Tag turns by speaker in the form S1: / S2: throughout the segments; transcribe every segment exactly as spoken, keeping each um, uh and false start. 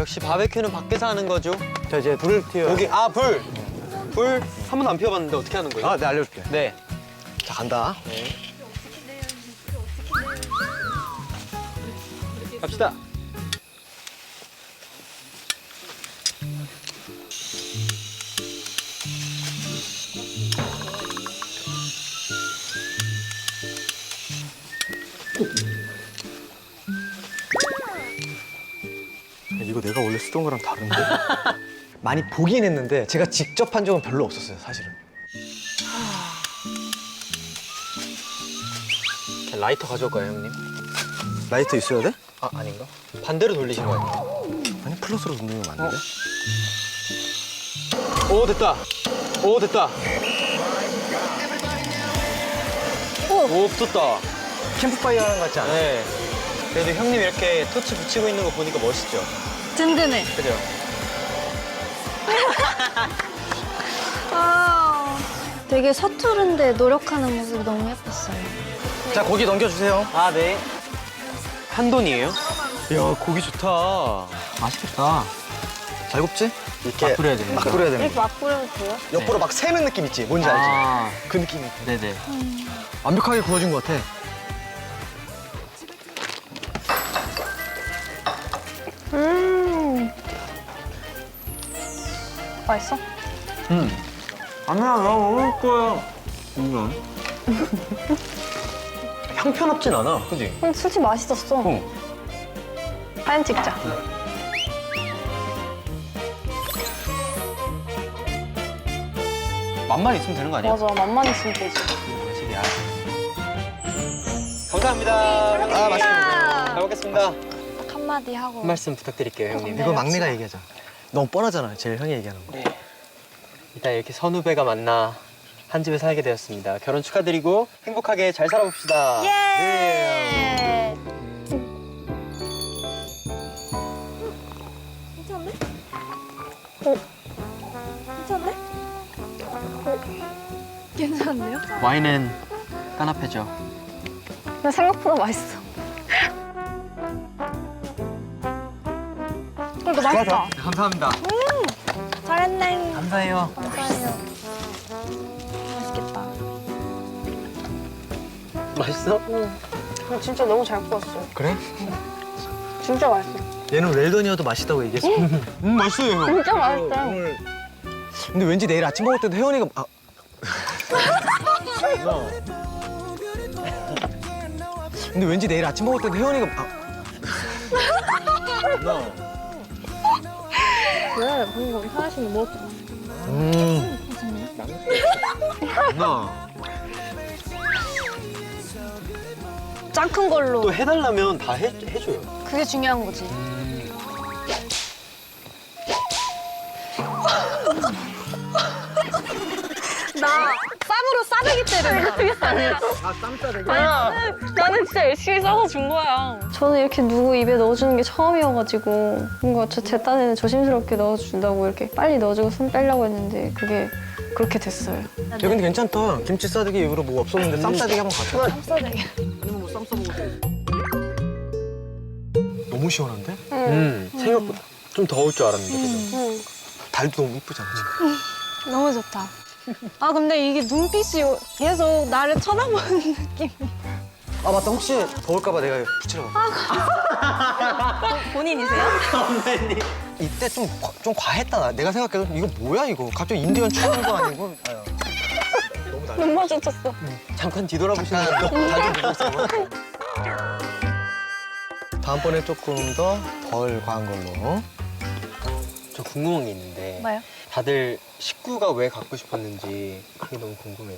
S1: 역시 바베큐는 밖에서 하는 거죠.
S2: 자, 이제 불을 튀어.
S1: 여기 아 불. 불 한 번도 안 피워봤는데 어떻게 하는 거예요?
S2: 아, 네, 알려줄게.
S1: 네.
S2: 자, 간다.
S1: 네. 갑시다.
S2: 이거 내가 원래 쓰던 거랑 다른데? 많이 보긴 했는데 제가 직접 한 적은 별로 없었어요, 사실은.
S1: 라이터 가져올까요, 형님?
S2: 라이터 있어야 돼?
S1: 아, 아닌가? 반대로 돌리신 거 아니에요?
S2: 아니, 플러스로 누르면 맞는데?
S1: 오, 됐다. 오, 됐다. 오, 붙었다.
S2: 캠프파이어 하는 것 같지 않아?
S1: 네. 그래도 형님 이렇게 토치 붙이고 있는 거 보니까 멋있죠?
S3: 든든해.
S1: 그죠?
S3: 아, 되게 서투른데 노력하는 모습이 너무 예뻤어요.
S2: 자, 고기 넘겨주세요.
S1: 아, 네. 한돈이에요? 이야, 고기 좋다.
S2: 맛있겠다. 잘 굽지? 이렇게
S1: 막 뿌려야 되는
S2: 막
S1: 거죠?
S2: 뿌려야 되는
S3: 이렇게
S2: 거.
S3: 막 뿌려도 돼요?
S2: 옆으로 막 세는 느낌 있지? 뭔지 알지?
S1: 아,
S2: 그 느낌이.
S1: 네네.
S2: 완벽하게 구워진 것 같아.
S3: 음. 맛있어?
S1: 음. 아니야, 나 먹을 거야. 이건. 형편없진 않아, 그지?
S3: 근데 솔직히 맛있었어.
S1: 어.
S3: 사진 찍자.
S1: 맛만 있으면 되는 거 아니야?
S3: 맞아, 맛만 있으면 되지.
S1: 확실히 아. 감사합니다.
S2: 아, 맛있게
S1: 잘 먹겠습니다.
S3: 딱 한마디 하고.
S1: 한 말씀 부탁드릴게요, 형님.
S2: 이거 막내가 얘기하자. 너무 뻔하잖아, 제일 형이 얘기하는 거.
S1: 네. 일단 이렇게 선후배가 만나 한 집에 살게 되었습니다. 결혼 축하드리고 행복하게 잘 살아봅시다.
S3: 예! 괜찮네? 어? 괜찮네? 어? 괜찮네요?
S1: 와인은 까나페죠.
S3: 근데 생각보다 맛있어. 이거 맛있다.
S1: 감사합니다.
S3: 잘했네.
S1: 감사해요.
S3: 감사해요. 맛있겠다.
S1: 맛있어?
S3: 응. 근데 진짜 너무 잘 구웠어.
S2: 그래?
S3: 진짜 맛있어.
S2: 얘는 웰던이어도 맛있다고 얘기했어.
S1: 음, 맛있어요.
S3: 진짜 맛있어.
S2: 오늘... 근데 왠지 내일 아침 먹을 때도 혜원이가 아... 근데 왠지 내일 아침 먹을 때도 혜원이가 아...
S3: 왜? 방금 하나씩 먹었잖아.
S2: 음...
S1: 나.
S3: 짱 큰 걸로.
S1: 또 해달라면 다 해, 해줘요.
S3: 그게 중요한 거지. 나 쌈으로 싸대기 때려.
S2: 아, 쌈싸대기?
S3: 나는, 나는 진짜 열심히 싸서 준 거야. 저는 이렇게 누구 입에 넣어주는 게 처음이어가지고 뭔가 저 제 딴에는 조심스럽게 넣어준다고 이렇게 빨리 넣어주고 손 빼려고 했는데 그게 그렇게 됐어요.
S2: 야, 근데 괜찮다. 김치 싸대기 이후로 뭐 없었는데 쌈싸대기 한번 가자.
S3: 쌈 싸대기.
S2: 아니면 뭐쌈 싸먹어도 너무 시원한데?
S1: 음, 생각보다 좀 더울 줄 알았는데. 그죠?
S3: 응.
S2: 달도 너무 이쁘잖아, 지금.
S3: 너무 좋다. 아 근데 이게 눈빛이 계속 나를 쳐다보는 느낌.
S2: 아, 맞다. 혹시 더울까봐 내가 붙이러 가.
S3: 본인이세요?
S2: 이때 좀, 과- 좀 과했다. 나. 내가 생각해도 이거 뭐야, 이거. 갑자기 인디언 추는 거 아니고. 아유. 너무 달
S3: 눈 마주쳤어.
S1: 잠깐 뒤돌아보시면
S2: 달좀 보고 있어. 다음번에 조금 더 덜 과한 걸로.
S1: 저 궁금한 게 있는데
S3: 뭐요?
S1: 다들 식구가 왜 갖고 싶었는지 그게 너무 궁금해요.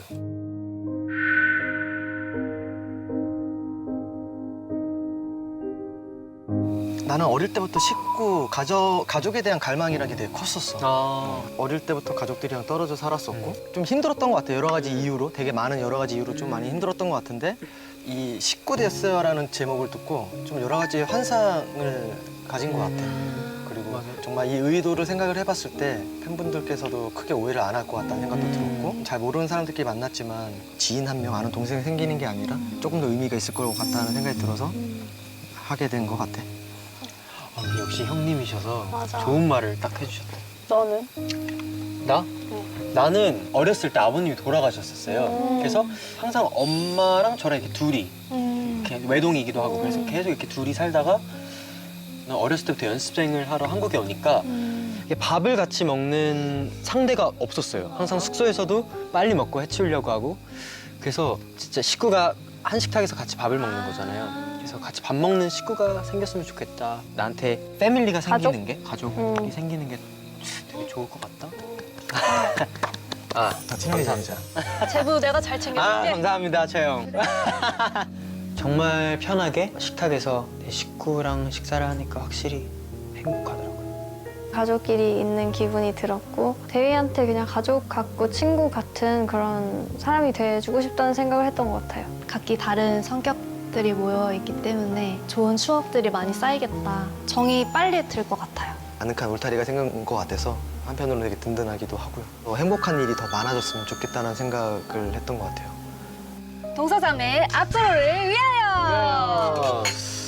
S2: 나는 어릴 때부터 식구, 가족, 가족에 대한 갈망이라는 게 되게 컸었어.
S1: 아,
S2: 어릴 때부터 가족들이랑 떨어져 살았었고 좀 힘들었던 것 같아. 여러 가지 이유로. 되게 많은 여러 가지 이유로 좀 많이 힘들었던 것 같은데 이 식구 됐어요라는 제목을 듣고 좀 여러 가지 환상을 가진 것 같아. 그리고 정말 이 의도를 생각을 해봤을 때 팬분들께서도 크게 오해를 안 할 것 같다는 생각도 들었고 잘 모르는 사람들끼리 만났지만 지인 한 명, 아는 동생이 생기는 게 아니라 조금 더 의미가 있을 것 같다는 생각이 들어서 하게 된 것 같아.
S1: 아, 근데 역시 형님이셔서
S3: 맞아.
S1: 좋은 말을 딱 해주셨다.
S3: 너는?
S1: 나? 나는 어렸을 때 아버님이 돌아가셨었어요.
S3: 음.
S1: 그래서 항상 엄마랑 저랑 이렇게 둘이
S3: 음.
S1: 이렇게 외동이기도 하고 그래서
S3: 음.
S1: 계속 이렇게 둘이 살다가 나 어렸을 때부터 연습생을 하러 한국에 오니까
S3: 음.
S1: 이게 밥을 같이 먹는 상대가 없었어요. 항상 숙소에서도 빨리 먹고 해치우려고 하고 그래서 진짜 식구가 한 식탁에서 같이 밥을 먹는 거잖아요. 그래서 같이 밥 먹는 식구가 생겼으면 좋겠다. 나한테 패밀리가
S3: 가족?
S1: 생기는 게 가족이
S3: 음.
S1: 생기는 게 되게 좋을 것 같다. 아,
S2: 더 친하게 지내자.
S3: 제부 내가 잘
S1: 아,
S3: 챙겨줄게.
S1: 감사합니다, 채영. 정말 편하게 식탁에서 내 식구랑 식사를 하니까 확실히 행복하더라고요.
S3: 가족끼리 있는 기분이 들었고 대휘한테 그냥 가족 같고 친구 같은 그런 사람이 돼주고 싶다는 생각을 했던 것 같아요.
S4: 각기 다른 성격들이 모여있기 때문에 좋은 추억들이 많이 쌓이겠다. 정이 빨리 들 것 같아요.
S2: 아늑한 울타리가 생긴 것 같아서 한편으로는 되게 든든하기도 하고요. 더 행복한 일이 더 많아졌으면 좋겠다는 생각을 했던 것 같아요.
S4: 동서삼의 앞으로를 위하여!